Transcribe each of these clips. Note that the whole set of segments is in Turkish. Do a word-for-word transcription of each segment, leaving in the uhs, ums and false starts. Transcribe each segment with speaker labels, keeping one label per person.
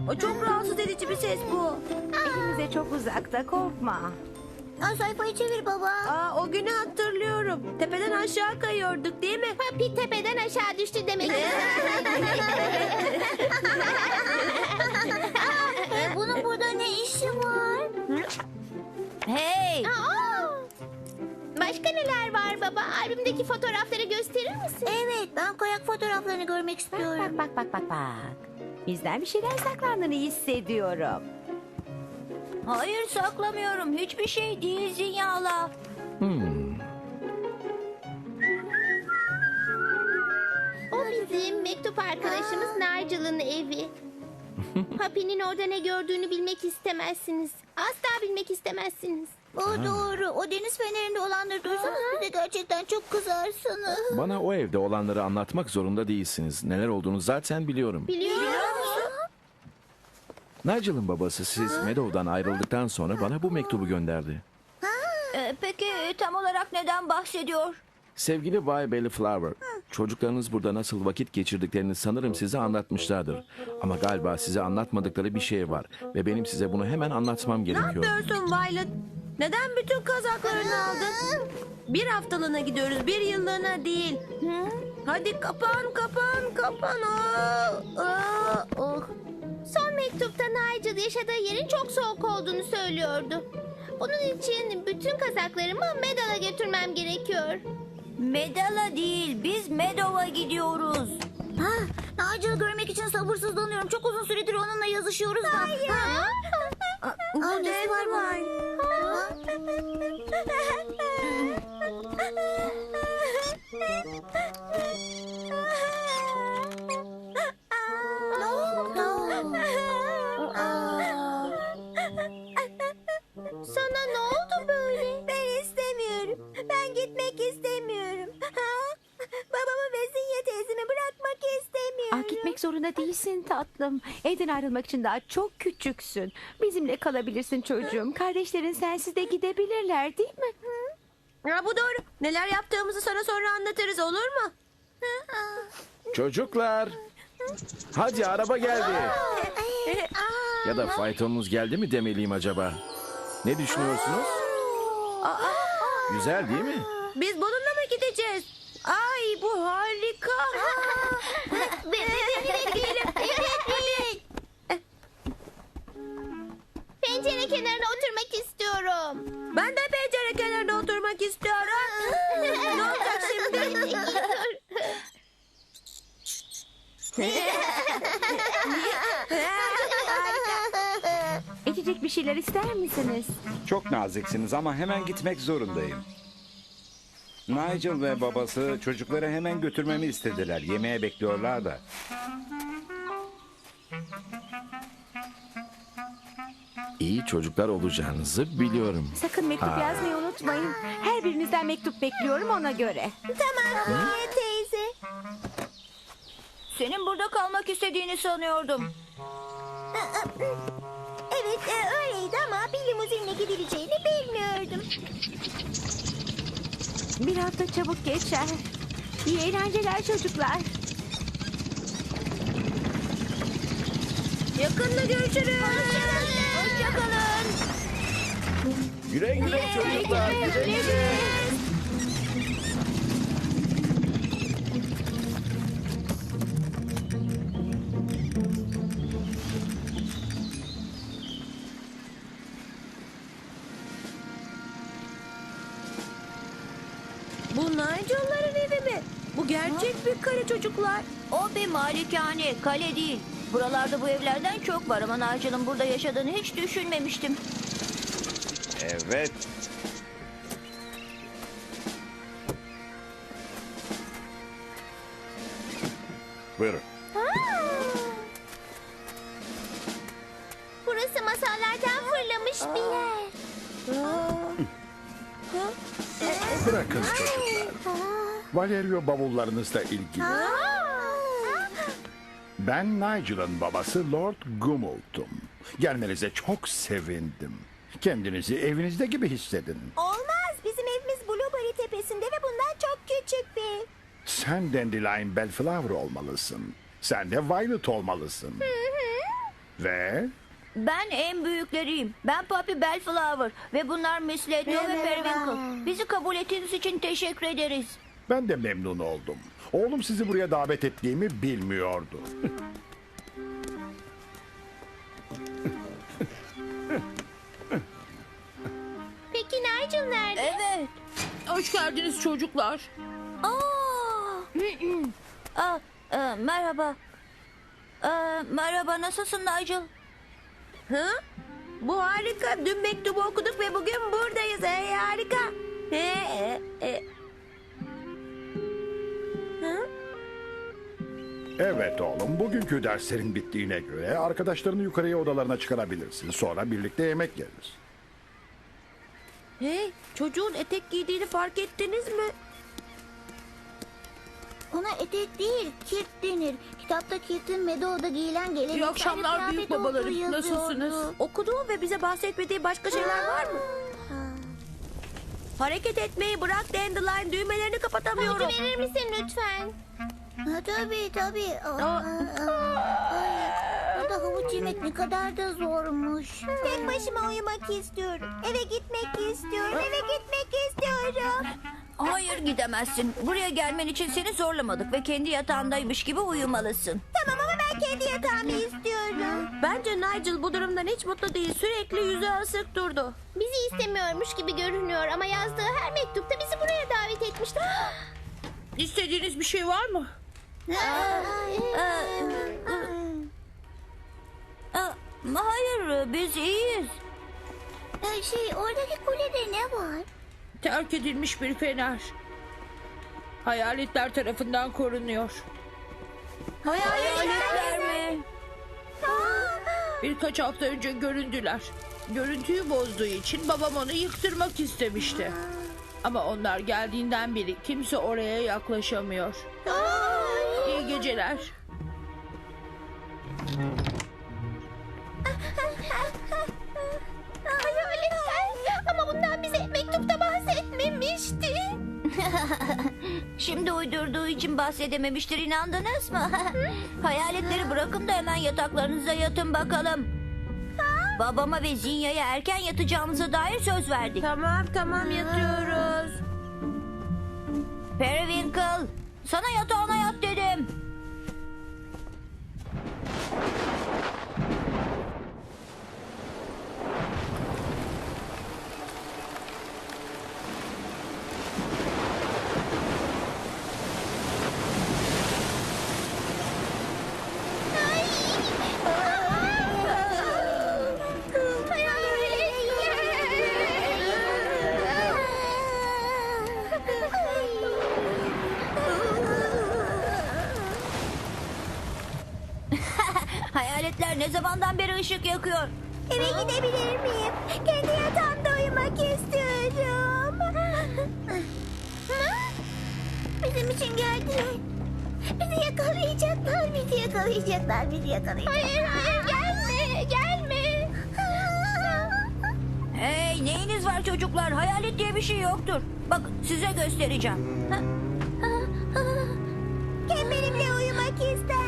Speaker 1: O çok rahatsız edici bir ses bu.
Speaker 2: Elimize çok uzakta, korkma.
Speaker 3: Aa, sayfayı çevir baba.
Speaker 1: Aa, o günü hatırlıyorum. Tepeden aşağı kayıyorduk değil mi?
Speaker 3: Papi tepeden aşağı düştü demek. e, bunun burada ne işi var?
Speaker 2: Hey!
Speaker 3: Aa! Başka neler var baba? Albümdeki fotoğrafları gösterir misin? Evet, ben kayak fotoğraflarını görmek istiyorum.
Speaker 2: Bak bak bak bak bak. Bizden bir şeyler saklandığını hissediyorum.
Speaker 3: Hayır, saklamıyorum. Hiçbir şey değil Zinyala.
Speaker 4: O bizim mektup arkadaşımız Nigel'ın evi. Papi'nin orada ne gördüğünü bilmek istemezsiniz. Asla bilmek istemezsiniz.
Speaker 3: O doğru. O deniz fenerinde olanları duysanız bize gerçekten çok kızarsınız.
Speaker 5: Bana o evde olanları anlatmak zorunda değilsiniz. Neler olduğunu zaten biliyorum.
Speaker 4: Biliyor musun?
Speaker 5: Nigel'ın babası siz Meadow'dan ayrıldıktan sonra bana bu mektubu gönderdi.
Speaker 3: Ee, peki tam olarak neden bahsediyor?
Speaker 5: Sevgili Bay Bellflower, çocuklarınız burada nasıl vakit geçirdiklerini sanırım size anlatmışlardır. Ama galiba size anlatmadıkları bir şey var ve benim size bunu hemen anlatmam
Speaker 1: Ne
Speaker 5: gerekiyor.
Speaker 1: yapıyorsun Violet? Neden bütün kazaklarını aldın? Bir haftalığına gidiyoruz, bir yıllığına değil. Hadi kapan, kapan, kapan. Aa, aa, oh.
Speaker 4: Son mektupta Nigel yaşadığı yerin çok soğuk olduğunu söylüyordu. Bunun için bütün kazaklarımı Meadow'a götürmem gerekiyor.
Speaker 3: Medala değil, biz Meadow'a gidiyoruz. Ha, Nigel'ı görmek için sabırsızlanıyorum. Çok uzun süredir onunla yazışıyoruz da. Hayır. Ha?
Speaker 1: Bu
Speaker 3: Aa,
Speaker 1: ne
Speaker 3: nesi var
Speaker 1: var?
Speaker 3: Ne oldu?
Speaker 4: Sana ne oldu böyle?
Speaker 3: Ben istemiyorum. Ben gitmek istemiyorum. Babamı ve Zinya teyzemi bırakmak istemiyorum.
Speaker 2: Ah, gitmek zorunda değilsin tatlım. Evden ayrılmak için daha çok küçüksün. Bizimle kalabilirsin çocuğum. Kardeşlerin sensiz de gidebilirler değil mi?
Speaker 1: Ya bu doğru. Neler yaptığımızı sana sonra anlatırız, olur mu?
Speaker 5: Çocuklar! Hadi araba geldi. Ya da faytonunuz geldi mi demeliyim acaba? Ne düşünüyorsunuz? Güzel değil mi?
Speaker 1: Biz bununla mı gideceğiz? Ay bu harika.
Speaker 4: Pencere kenarına oturmak istiyorum.
Speaker 1: Ben de pencere kenarında oturmak istiyorum. Ne olacak şimdi?
Speaker 2: İçecek bir şeyler ister misiniz?
Speaker 6: Çok naziksiniz ama hemen gitmek zorundayım. Nigel ve babası çocukları hemen götürmemi istediler. Yemeğe bekliyorlar da.
Speaker 5: İyi çocuklar olacağınızı biliyorum.
Speaker 2: Sakın mektup
Speaker 5: Ha.
Speaker 2: yazmayı unutmayın. Her birinizden mektup bekliyorum ona göre.
Speaker 3: Tamam Zinya teyze. Senin burada kalmak istediğini sanıyordum. Evet e, öyleydi ama bir limuzinle gidileceğini bilmiyordum.
Speaker 2: Bir hafta çabuk geçer. İyi eğlenceler çocuklar.
Speaker 1: Yakında görüşürüz.
Speaker 3: Hoşçakalın.
Speaker 5: Güle güle çocuklar. Güle güle.
Speaker 1: Bu Nigel'ların evi mi? Bu gerçek bir kare çocuklar.
Speaker 3: O bir malikane, kale değil. Buralarda bu evlerden çok var ama Nigel'ın burada yaşadığını hiç düşünmemiştim.
Speaker 6: Evet. Buyurun.
Speaker 4: Burası masallardan fırlamış bir yer.
Speaker 7: Bırakın çocuklar. Valerio bavullarınızla ilgili. Ben Nigel'ın babası Lord Gumult'um. Gelmenize çok sevindim. Kendinizi evinizde gibi hissedin.
Speaker 3: Olmaz. Bizim evimiz Blueberry tepesinde ve bundan çok küçük bir.
Speaker 7: Sen Dandelion Bellflower olmalısın. Sen de Violet olmalısın. Ve
Speaker 3: Ben en büyükleriyim. Ben Papi Bellflower ve bunlar Miss Leto ve Periwinkle. Bizi kabul ettiğiniz için teşekkür ederiz.
Speaker 7: ben de memnun oldum. Oğlum sizi buraya davet ettiğimi bilmiyordu.
Speaker 4: Peki Nigel nerede?
Speaker 3: Evet.
Speaker 2: Hoş geldiniz çocuklar.
Speaker 3: Aa! Aa, e, merhaba. E, merhaba, nasılsın Nigel?
Speaker 1: Hı? Bu harika. Dün mektubu okuduk ve bugün buradayız. Hey, harika. He, e, e. Hı?
Speaker 7: Evet oğlum, bugünkü derslerin bittiğine göre arkadaşlarını yukarıya odalarına çıkarabilirsin. Sonra birlikte yemek yeriz.
Speaker 1: Hey, çocuğun etek giydiğini fark ettiniz mi?
Speaker 3: Ona etek değil, kirt denir. Kitapta kirtin Meadow'da giyilen geleneksel
Speaker 2: İyi akşamlar
Speaker 3: kıyafet
Speaker 2: büyük babalarım.
Speaker 3: olduğu yazıyordu.
Speaker 2: Nasılsınız?
Speaker 1: Okuduğu ve bize bahsetmediği başka şeyler var mı? Hareket etmeyi bırak Dandelion. Düğmelerini kapatamıyorum.
Speaker 4: Havucu verir misin lütfen?
Speaker 3: Ha, tabii tabii. Aa, aa, ay, burada havuç yemek ne kadar da zormuş. Tek başıma uyumak istiyorum. Eve gitmek istiyorum. Eve gitmek istiyorum. Hayır gidemezsin. Buraya gelmen için seni zorlamadık ve kendi yatağındaymış gibi uyumalısın. Tamam ama ben kendi yatağımı istiyorum.
Speaker 1: Bence Nigel bu durumdan hiç mutlu değil. Sürekli yüzü asık durdu.
Speaker 4: Bizi istemiyormuş gibi görünüyor ama yazdığı her mektupta bizi buraya davet etmişti.
Speaker 2: İstediğiniz bir şey var mı?
Speaker 3: Hayır, biz iyiyiz. Şey, oradaki kulede ne var?
Speaker 2: Terk edilmiş bir fener. Hayaletler tarafından korunuyor.
Speaker 3: Hayaletler mi?
Speaker 2: Birkaç hafta önce göründüler. Görüntüyü bozduğu için babam onu yıktırmak istemişti. Ama onlar geldiğinden beri kimse oraya yaklaşamıyor. İyi geceler.
Speaker 4: Hayaletler. Ama bundan bize mektupta bahsetmemişti.
Speaker 3: Şimdi uydurduğu için bahsedememiştir, inandınız mı? Hayaletleri bırakın da hemen yataklarınıza yatın bakalım. Babama ve Zinya'ya erken yatacağımıza dair söz verdik.
Speaker 1: Tamam tamam yatıyoruz.
Speaker 3: Periwinkle, sana yatağına yat dedim. Hayaletler ne zamandan beri ışık yakıyor? Eve gidebilir miyim? Kendi yatağımda uyumak istiyorum. Bizim için geldiler. Bizi yakalayacaklar, bizi yakalayacaklar, bizi yakalayacaklar.
Speaker 4: Hayır hayır gelme gelme.
Speaker 3: Hey, neyiniz var çocuklar? Hayalet diye bir şey yoktur. Bak, size göstereceğim. Kim benimle uyumak ister?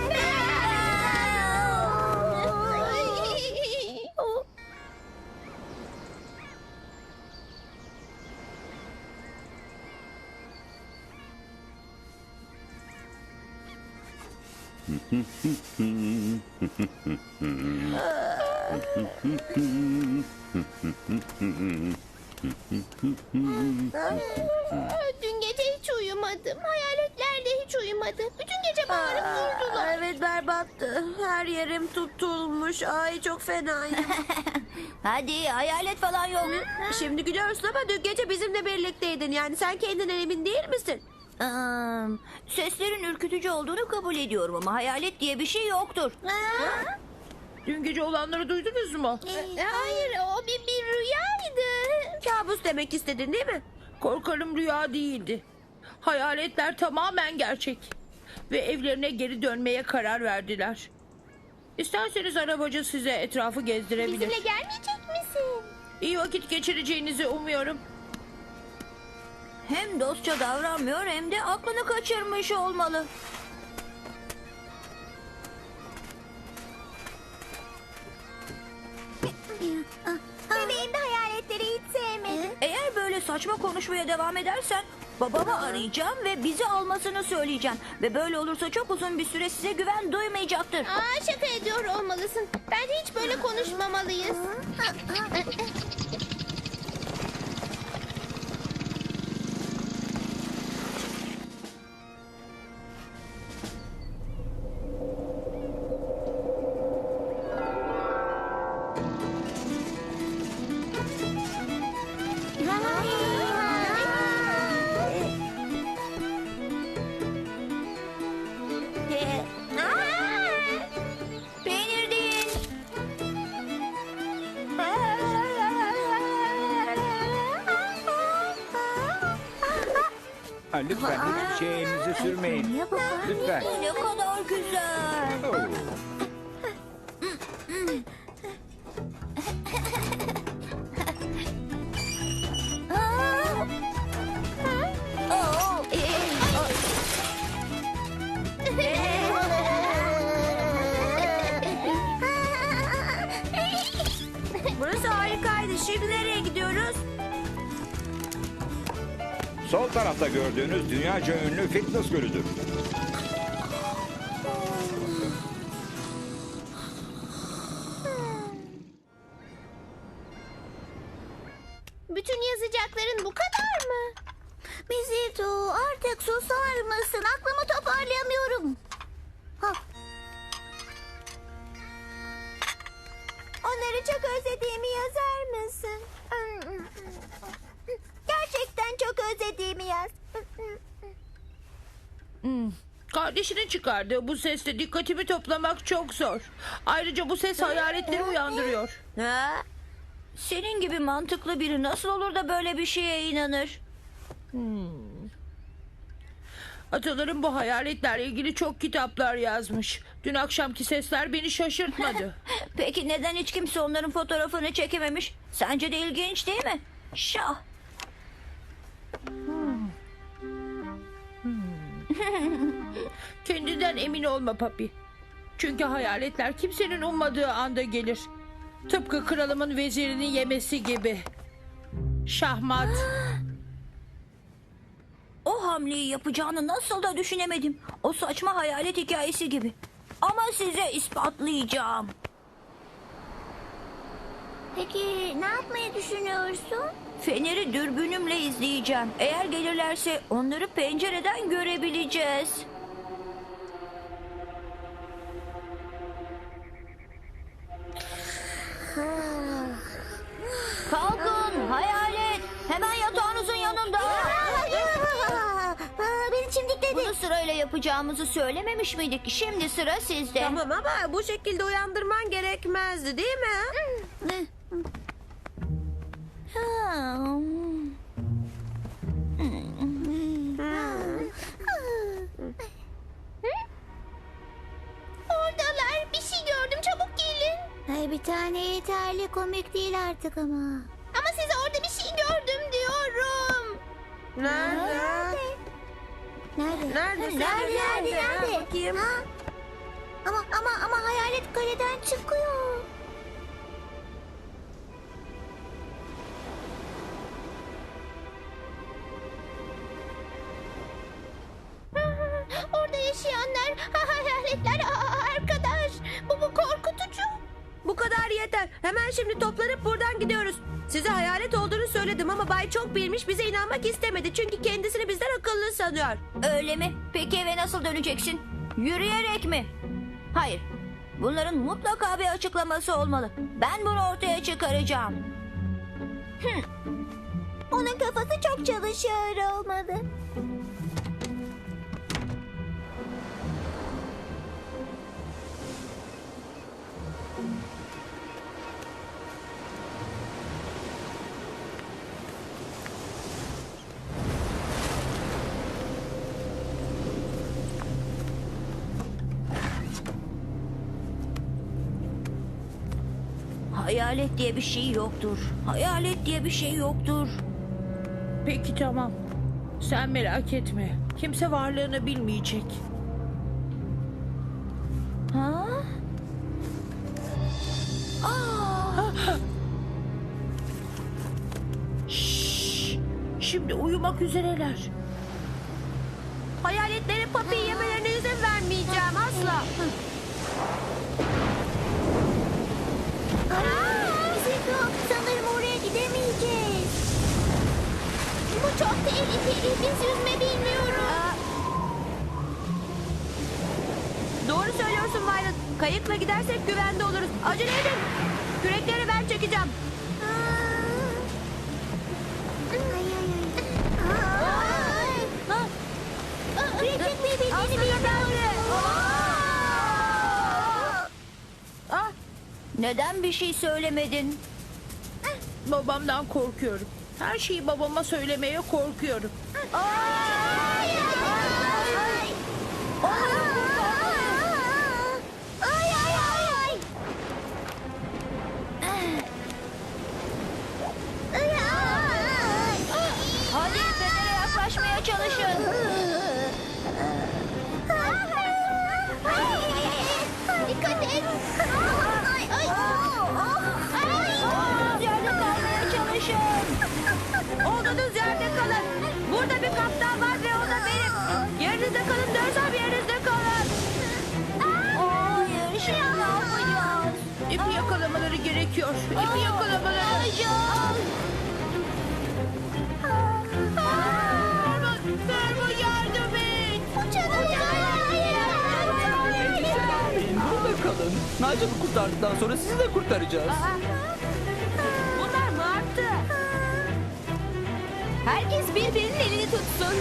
Speaker 4: Dün gece hiç uyumadım. Hayaletler de hiç uyumadı. Bütün gece bağırıp durdular.
Speaker 1: Aa, evet berbattı. Her yerim tutulmuş. Ay çok fenayım.
Speaker 3: Hadi, hayalet falan yok.
Speaker 1: Şimdi gülüyorsun ama dün gece bizimle birlikteydin. Yani sen kendinden emin değil misin?
Speaker 3: Aa, seslerin ürkütücü olduğunu kabul ediyorum ama hayalet diye bir şey yoktur.
Speaker 2: Dün gece olanları duydunuz mu?
Speaker 4: Hayır o bir, bir rüyaydı.
Speaker 1: Kabus demek istedin değil mi?
Speaker 2: Korkarım rüya değildi. Hayaletler tamamen gerçek. Ve evlerine geri dönmeye karar verdiler. İsterseniz arabacı size etrafı gezdirebilir.
Speaker 4: Bizimle gelmeyecek misin?
Speaker 2: İyi vakit geçireceğinizi umuyorum.
Speaker 3: Hem dostça davranmıyor hem de aklını kaçırmış olmalı. saçma konuşmaya devam edersen babamı arayacağım ve bizi almasını söyleyeceğim. Ve böyle olursa çok uzun bir süre size güven duymayacaktır.
Speaker 4: Aa, şaka ediyor olmalısın. Bence hiç böyle konuşmamalıyız.
Speaker 3: Peynir değil.
Speaker 6: Ha, lütfen hiçbir şeye elinizi sürmeyin. Lütfen.
Speaker 3: Ne kadar güzel.
Speaker 6: Oo.
Speaker 3: Oo,
Speaker 1: Burası harikaydı. Şimdi nereye gidiyoruz?
Speaker 6: Sol tarafta gördüğünüz dünyaca ünlü fitness gölüdür.
Speaker 4: Bütün yazacakların bu kadar mı?
Speaker 3: Mizito, artık susar mısın? Aklımı toparlayamıyorum. Ha. Onları çok özlediğimi yazar mısın? Gerçekten çok özlediğimi yaz.
Speaker 2: Kardeşinin çıkardığı bu sesle dikkatimi toplamak çok zor. Ayrıca bu ses hayaletleri uyandırıyor.
Speaker 1: Ha?
Speaker 3: Senin gibi mantıklı biri nasıl olur da böyle bir şeye inanır?
Speaker 2: Atalarım bu hayaletlerle ilgili çok kitaplar yazmış. Dün akşamki sesler beni şaşırtmadı.
Speaker 3: Peki neden hiç kimse onların fotoğrafını çekememiş? Sence de ilginç değil mi? Şah.
Speaker 2: Kendinden emin olma papi. Çünkü hayaletler kimsenin ummadığı anda gelir. Tıpkı kralımın vezirinin yemesi gibi. Şahmat.
Speaker 3: O hamleyi yapacağını nasıl da düşünemedim. O saçma hayalet hikayesi gibi. Ama size ispatlayacağım. Peki ne yapmayı düşünüyorsun? Feneri dürbünümle izleyeceğim. Eğer gelirlerse onları pencereden görebileceğiz. Kalkın hayalet. Hemen yatağınızın yanında. Beni çimdikledi. Bunu sırayla yapacağımızı söylememiş miydik? Şimdi sıra sizde.
Speaker 1: Tamam ama bu şekilde uyandırman gerekmezdi değil mi?
Speaker 3: Ne? Ha.
Speaker 4: Oradalar. Bir şey gördüm. Çabuk gelin.
Speaker 3: Ay bir tane yeterli, komik değil artık ama.
Speaker 4: Ama size orada bir şey gördüm diyorum.
Speaker 1: Nerede?
Speaker 3: Nerede?
Speaker 1: Nerede?
Speaker 3: Nerede? Nerede? Nerede?
Speaker 1: Ha, bakayım.
Speaker 3: Ha? Ama ama ama hayalet kaleden çıkıyor.
Speaker 4: Orada yaşayanlar hayaletler. Aa, arkadaş. Bu bu korkutucu.
Speaker 1: Bu kadar yeter. Hemen şimdi toplanıp buradan gidiyoruz. Size hayalet olduğunu söyledim ama Bay çok bilmiş bize inanmak istemedi. Çünkü kendisini bizden akıllı sanıyor.
Speaker 3: Öyle mi? Peki eve nasıl döneceksin? Yürüyerek mi? Hayır. Bunların mutlaka bir açıklaması olmalı. Ben bunu ortaya çıkaracağım. Hı. Onun kafası çok çalışıyor olmalı. Hayalet diye bir şey yoktur. Hayalet diye bir şey yoktur.
Speaker 2: Peki tamam. Sen merak etme. Kimse varlığını bilmeyecek.
Speaker 3: Ha? Aa!
Speaker 2: Şşş. Şimdi uyumak üzereler.
Speaker 1: Hayaletlerin Papi'yi yemelerine izin vermeyeceğim asla.
Speaker 3: Zeko, sanırım oraya gidemeyeceğiz.
Speaker 4: Bu çok tehlikeli. Biz yüzme bilmiyoruz.
Speaker 1: Doğru söylüyorsun Violet. Kayıkla gidersek güvende oluruz. Acele edin. Kürekleri ben çekeceğim. Ha?
Speaker 3: Küreklik bir bildiğini
Speaker 1: Aslında
Speaker 3: bilmiyorum.
Speaker 1: Ah,
Speaker 3: Neden bir şey söylemedin?
Speaker 2: Babamdan korkuyorum. Her şeyi babama söylemeye korkuyorum.
Speaker 3: Ay ay ay. Ay ay. Hadi Fener'e yaklaşmaya çalışın.
Speaker 4: Dikkat et. Ay ay.
Speaker 3: Yerde kalmaya çalışın.
Speaker 1: olduğunuz yerde kalın. Burada bir kaptan var ve o da benim. Yerinizde kalın dersem yerinizde kalın.
Speaker 3: Hayır, şimdi ne yapacağız?
Speaker 2: İpi yakalamaları gerekiyor. İpi yakalamaları. Ferman, Ferman yardım et.
Speaker 8: Burada kalın. Nigel'ı kurtardıktan sonra sizi de kurtaracağız.
Speaker 1: Bunlar martı. Herkes birbirinin elini tutsun.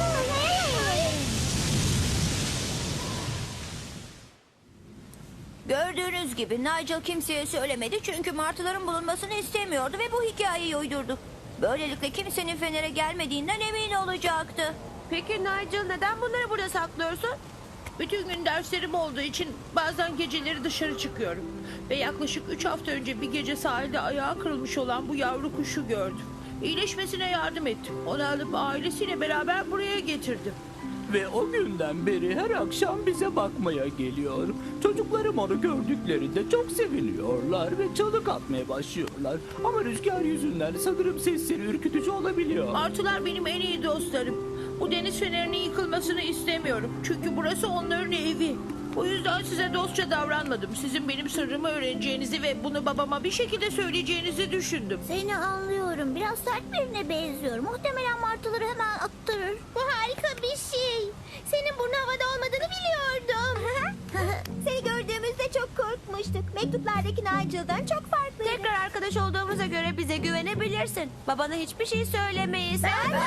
Speaker 3: Gördüğünüz gibi Nigel kimseye söylemedi çünkü martıların bulunmasını istemiyordu ve bu hikayeyi uydurdu. Böylelikle kimsenin Fener'e gelmediğinden emin olacaktı.
Speaker 1: Peki Nigel neden bunları burada saklıyorsun?
Speaker 2: Bütün gün derslerim olduğu için bazen geceleri dışarı çıkıyorum. Ve yaklaşık üç hafta önce bir gece sahilde ayağı kırılmış olan bu yavru kuşu gördüm. İyileşmesine yardım ettim. Onu alıp ailesiyle beraber buraya getirdim.
Speaker 8: Ve o günden beri her akşam bize bakmaya geliyor. Çocuklarım onu gördüklerinde çok seviniyorlar ve çalık atmaya başlıyorlar. Ama rüzgar yüzünden sanırım sesleri ürkütücü olabiliyor.
Speaker 2: Martılar benim en iyi dostlarım. Bu deniz fenerinin yıkılmasını istemiyorum. Çünkü burası onların evi. O yüzden size dostça davranmadım. Sizin benim sırrımı öğreneceğinizi ve bunu babama bir şekilde söyleyeceğinizi düşündüm.
Speaker 3: Seni anlıyorum. Biraz sert birine benziyor. Muhtemelen martıları hemen attırır.
Speaker 4: Bu harika bir şey. Senin burnu havada olmadığını biliyordum.
Speaker 3: Seni gördüğümüzde çok korkmuştuk. Mektuplardaki Nigel'dan çok farklıydı.
Speaker 1: Tekrar arkadaş olduğumuza göre bize güvenebilirsin. Babana hiçbir şey söylemeyiz.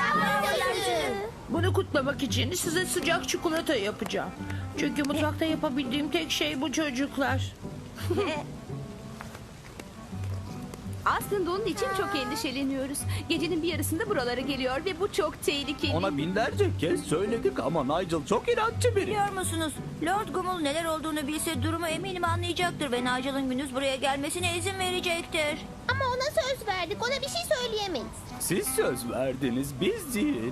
Speaker 2: Bunu kutlamak için size sıcak çikolata yapacağım. Çünkü mutfakta yapabildiğim tek şey bu çocuklar.
Speaker 9: Aslında onun için çok endişeleniyoruz. Gecenin bir yarısında buralara geliyor ve bu çok tehlikeli.
Speaker 8: Ona binlerce kez söyledik ama Nigel çok inatçı biri.
Speaker 3: Biliyor musunuz? Lord Gumul neler olduğunu bilse durumu eminim anlayacaktır ve Nigel'ın gündüz buraya gelmesine izin verecektir.
Speaker 4: Ama ona söz verdik. Ona bir şey söyleyemeyiz.
Speaker 8: Siz söz verdiniz, biz değil.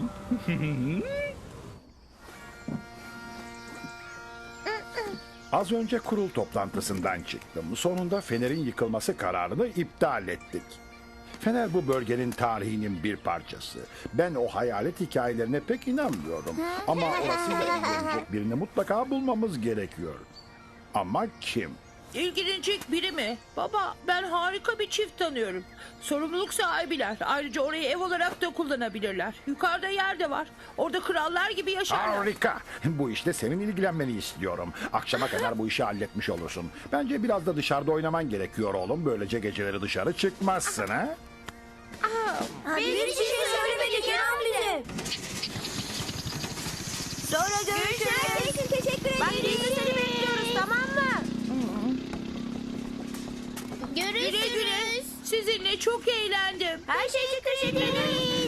Speaker 7: Az önce kurul toplantısından çıktım. Sonunda Fener'in yıkılması kararını iptal ettik. Fener bu bölgenin tarihinin bir parçası. Ben o hayalet hikayelerine pek inanmıyorum. Ama orasıyla ilgilenecek birini mutlaka bulmamız gerekiyor. Ama kim?
Speaker 2: İlgilenecek biri mi? Baba, ben harika bir çift tanıyorum. Sorumluluk sahibiler. Ayrıca orayı ev olarak da kullanabilirler. Yukarıda yer de var. Orada krallar gibi yaşarlar.
Speaker 7: Harika. Bu işte senin ilgilenmeni istiyorum. Akşama kadar bu işi halletmiş olursun. Bence biraz da dışarıda oynaman gerekiyor oğlum. Böylece geceleri dışarı çıkmazsın ha?
Speaker 3: Biz hiçbir şey söylemedik inan bize. Sonra görüşürüz.
Speaker 4: Herkes için teşekkür ederim.
Speaker 1: Bak biz de seni bekliyoruz, tamam mı?
Speaker 2: Güle güle.
Speaker 4: Görüşürüz.
Speaker 2: Sizinle çok eğlendim.
Speaker 1: Her şey için teşekkür ederim.